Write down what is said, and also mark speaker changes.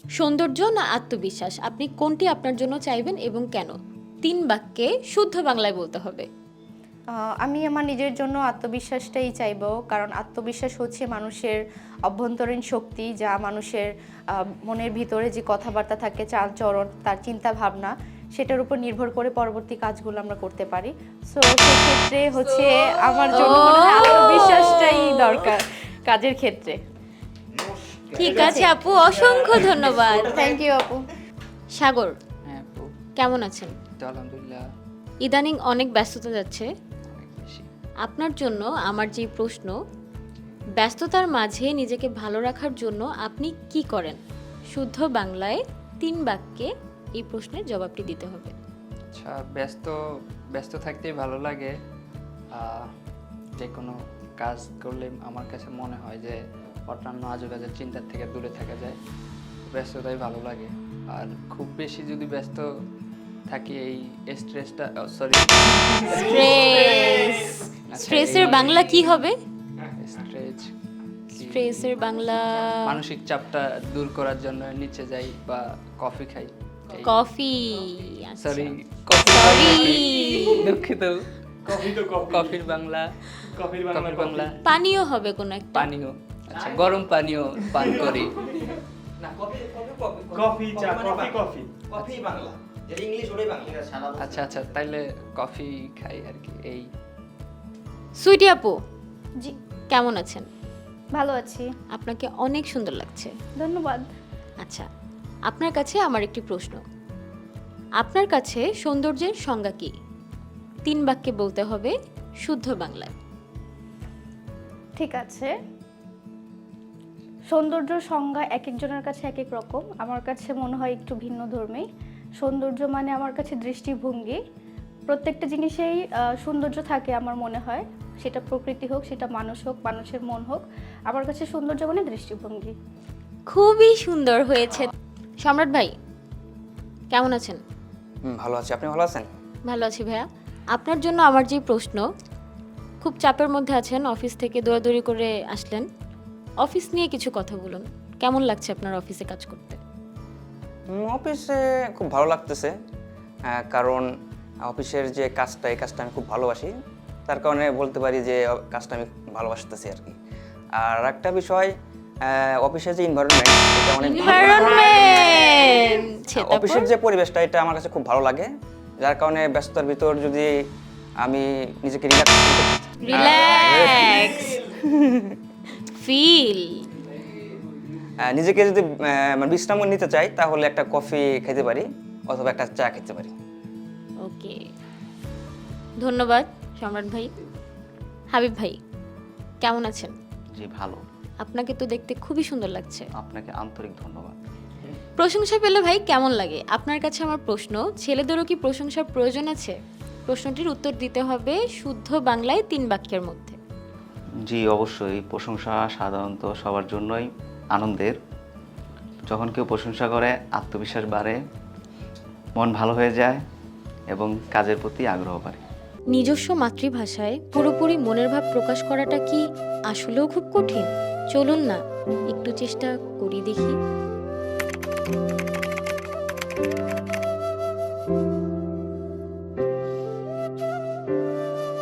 Speaker 1: সৌন্দর্য না আত্মবিশ্বাস, আপনি কোনটি আপনার জন্য চাইবেন এবং কেন? 3 বাক্যে শুদ্ধ বাংলায় বলতে হবে।
Speaker 2: আমি আমার নিজের জন্য আত্মবিশ্বাসটাই চাইবো, কারণ আত্মবিশ্বাস হচ্ছে মানুষের অভ্যন্তরীণ শক্তি, যা মানুষের মনের ভিতরে যে কথাবার্তা থাকে, চালচরণ, তার চিন্তা ভাবনা, সেটার উপর নির্ভর করে পরবর্তী কাজগুলো আমরা করতে পারি। সো সেক্ষেত্রে হচ্ছে আমার জন্য মনে হয় আত্মবিশ্বাসটাই দরকার কাজের ক্ষেত্রে।
Speaker 1: ঠিক আছে আপু, অসংখ্য ধন্যবাদ।
Speaker 2: থ্যাংক ইউ আপু।
Speaker 1: সাগর,
Speaker 3: হ্যাঁ আপু,
Speaker 1: কেমন আছেন?
Speaker 3: তো আলহামদুলিল্লাহ
Speaker 1: ইদানিং অনেক ব্যস্ততা যাচ্ছে,
Speaker 3: অনেক বেশি।
Speaker 1: আপনার জন্য আমার যে প্রশ্ন, ব্যস্ততার মাঝে নিজেকে ভালো রাখার জন্য আপনি কি করেন? শুদ্ধ বাংলায় 3 বাক্যে এই প্রশ্নের জবাবটি দিতে হবে।
Speaker 3: আচ্ছা, ব্যস্ত ব্যস্ত থাকতেই ভালো লাগে। যে কোনো কাজ করলে আমার কাছে মনে হয় যে অন্যান্য আজেবাজে চিন্তার থেকে দূরে থাকা যায়, ব্যস্ততাই ভালো লাগে। আর খুব বেশি যদি ব্যস্ত থাকি এই স্ট্রেসটা, সরি
Speaker 1: স্ট্রেস, স্ট্রেসের বাংলা কি হবে?
Speaker 3: স্ট্রেস
Speaker 1: স্ট্রেসের বাংলা
Speaker 3: মানসিক চাপটা দূর করার জন্য নিচে যাই বা কফি খাই।
Speaker 1: কফি।
Speaker 3: সরি,
Speaker 1: সরি,
Speaker 3: দুঃখিত।
Speaker 4: কফি তো কফি,
Speaker 3: কফির বাংলা,
Speaker 4: কফির
Speaker 3: কফির বাংলা
Speaker 1: পানীয় হবে কোন একটা।
Speaker 3: পানীয়। আচ্ছা, গরম পানীয় পান করি।
Speaker 5: না, কফি কফি কফি
Speaker 4: কফি, চা,
Speaker 5: মানে
Speaker 4: কফি, কফি।
Speaker 5: কফি বাংলা, যেটা ইংলিশ ওটাই বাংলা, এটা সারা বছর।
Speaker 3: আচ্ছা আচ্ছা, তাইলে কফি খাই আর কি। এই
Speaker 1: সুইটি আপু,
Speaker 2: জি,
Speaker 1: কেমন আছেন?
Speaker 2: ভালো আছি,
Speaker 1: আপনাকে অনেক সুন্দর লাগছে।
Speaker 2: ধন্যবাদ।
Speaker 1: আচ্ছা, আপনার কাছে আমার একটি প্রশ্ন, আপনার কাছে সৌন্দর্যের সংজ্ঞা কি? 3 বাক্যে বলতে হবে শুদ্ধ বাংলায়।
Speaker 2: ঠিক আছে, সৌন্দর্য সংজ্ঞা এক একজনের কাছে এক এক রকম। আমার কাছে মনে হয় একটু ভিন্ন ধর্মী। সৌন্দর্য মানে আমার কাছে দৃষ্টিভঙ্গি। প্রত্যেকটা জিনিসেই সৌন্দর্য থাকে আমার মনে হয়, সেটা প্রকৃতি হোক, সেটা মানুষ হোক, মানুষের মন হোক। আমার কাছে সৌন্দর্য মানে দৃষ্টিভঙ্গি।
Speaker 1: খুবই সুন্দর হয়েছে। সম্রাট ভাই, কেমন আছেন?
Speaker 5: ভালো আছি, আপনি ভালো আছেন?
Speaker 1: ভালো আছি ভাইয়া। আপনার জন্য আমার যে প্রশ্ন, খুব চাপের মধ্যে আছেন, অফিস থেকে দৌড়াদৌড়ি করে আসলেন, অফিস নিয়ে কিছু কথা বলুন। কেমন লাগছে আপনার অফিসে কাজ করতে?
Speaker 5: অফিসে খুব ভালো লাগতেছে, কারণ অফিসের যে কাজটা, এই কাজটা আমি খুব ভালোবাসি। তার কারণে বলতে পারি যে কাজটা আমি ভালোবাসতেছি আর কি। আর একটা বিষয়, অফিসের যে এনভায়রনমেন্ট, এটা অনেক অফিসের যে পরিবেশটা, এটা আমার কাছে খুব ভালো লাগে। যার কারণে ব্যস্ততার ভিতর যদি আমি নিজেকে
Speaker 1: রিল্যাক্স ফিল,
Speaker 5: নিজেকে যদি মানে বিশ্রাম নিতে চাই, তাহলে একটা কফি খেতে পারি অথবা একটা চা খেতে পারি।
Speaker 1: ওকে, ধন্যবাদ সম্রাট ভাই। হাবিব ভাই, কেমন আছেন?
Speaker 6: জি ভালো,
Speaker 1: আপনাকে তো দেখতে খুবই সুন্দর লাগছে।
Speaker 6: আপনাকে আন্তরিক ধন্যবাদ।
Speaker 1: প্রশংসা পেলে ভাই কেমন লাগে? আপনার কাছে আমার প্রশ্ন, ছেলেদেরও কি প্রশংসার প্রয়োজন আছে? প্রশ্নটির উত্তর দিতে হবে শুদ্ধ বাংলায় 3 বাক্যের মধ্যে।
Speaker 6: জি অবশ্যই, প্রশংসা সাধারণত সবার জন্যই আনন্দের। যখন কেউ প্রশংসা করে, আত্মবিশ্বাস বাড়ে, মন ভালো হয়ে যায় এবং কাজের প্রতি আগ্রহ বাড়ে।
Speaker 1: নিজস্ব মাতৃভাষায় পুরোপুরি মনের ভাব প্রকাশ করাটা কি আসলেও খুব কঠিন? চলুন না একটু চেষ্টা করি দেখি।